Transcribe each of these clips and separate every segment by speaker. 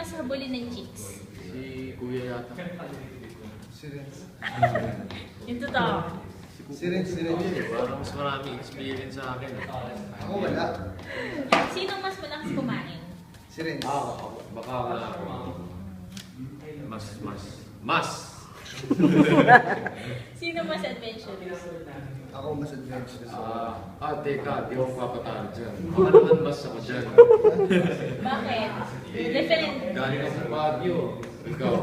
Speaker 1: mas habulin ng chicks?
Speaker 2: Si Kuya yata.
Speaker 3: Si Renz.
Speaker 1: Yung totoo.
Speaker 3: Si Renz.
Speaker 2: Parang mas maraming experience sa akin.
Speaker 3: Ako wala.
Speaker 1: Sino mas malakas kumain?
Speaker 3: Si Renz.
Speaker 2: Baka wala ako. Mas!
Speaker 1: Sino mas adventurous?
Speaker 3: Ako mas adventurous.
Speaker 2: Teka, di ako papatalo dyan. Baka naman mas ako dyan.
Speaker 1: Bakit? Different.
Speaker 2: Galing ako sa Baguio. Ikaw.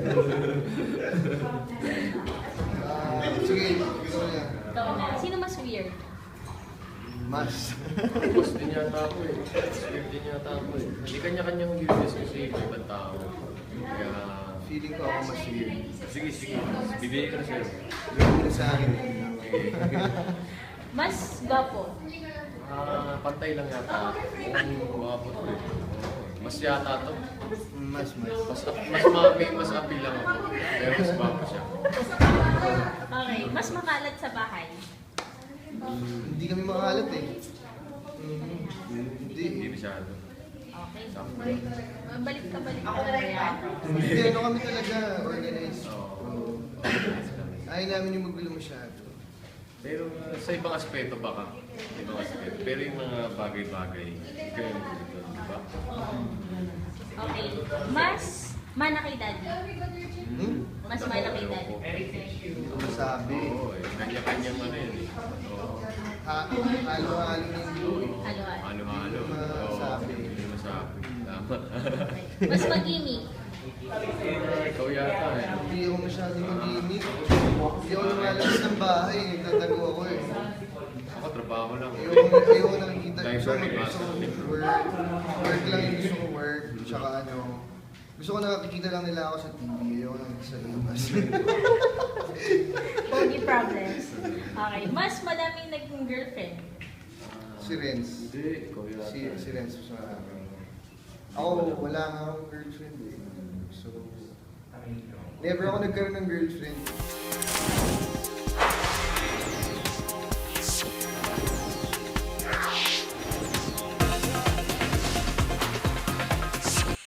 Speaker 3: Sige, ikaw na.
Speaker 1: Totoo na. Sino mas weird?
Speaker 3: Mas.
Speaker 2: Mas din yata ako eh. Weird din yata ako eh. Hindi kanya-kanyang weirdness kasi ibang tao. Kaya...
Speaker 3: Feeling ko ako mas weird.
Speaker 2: Sige. Bibigay ko na sa'yo.
Speaker 3: Gawin na sa akin.
Speaker 2: Okay.
Speaker 1: Mas gwapo.
Speaker 2: Pantay lang yata. Umabot ko eh. Mas yata to.
Speaker 3: Mas.
Speaker 2: Mas appeal lang ako. Pero mas bago siya.
Speaker 1: Okay. Mas makalat sa bahay.
Speaker 3: Hindi kami makalat eh.
Speaker 2: Hindi
Speaker 3: Hindi.
Speaker 2: masyado.
Speaker 1: Okay.
Speaker 2: Sakto.
Speaker 1: Balik ka.
Speaker 3: Hindi, ano kami talaga organized.
Speaker 2: Oo.
Speaker 3: Ayaw namin yung magulo masyado.
Speaker 2: Pero sa ibang aspeto baka. Ibang aspeto. Pero yung mga bagay-bagay. Kaya yung dito, di ba?
Speaker 1: Okay. Mas mana kay daddy. Mas mana kay daddy.
Speaker 3: Ano sabi?
Speaker 2: Oo eh. Kanya-kanyang ano yun eh. Oo.
Speaker 3: Halo-halo na yung blue eh.
Speaker 1: Halo-halo.
Speaker 2: Halo-halo. Oo.
Speaker 3: Masabi.
Speaker 2: Hindi masabi. Tama.
Speaker 1: Mas mag-gimmick.
Speaker 2: Ikaw yata eh.
Speaker 3: Hindi ako masyadong mag-iimik. Hindi ako lumalabas ng bahay. Nagtatago ako eh.
Speaker 2: Ako trabaho lang.
Speaker 3: Ayoko nakikita.
Speaker 2: Dahil
Speaker 3: Gusto ko
Speaker 2: sa
Speaker 3: work. Work lang yung gusto ko work. Tsaka ano. Gusto ko nakikita lang nila ako sa TV. Ayoko nakikita sa labas.
Speaker 1: Pogi problems. Okay. Mas madaming naging girlfriend.
Speaker 3: Si Renz.
Speaker 2: Hindi, ikaw yata.
Speaker 3: Si Renz mas marami. Ako, wala nga akong girlfriend eh. So, never ako nagkaroon ng girlfriend.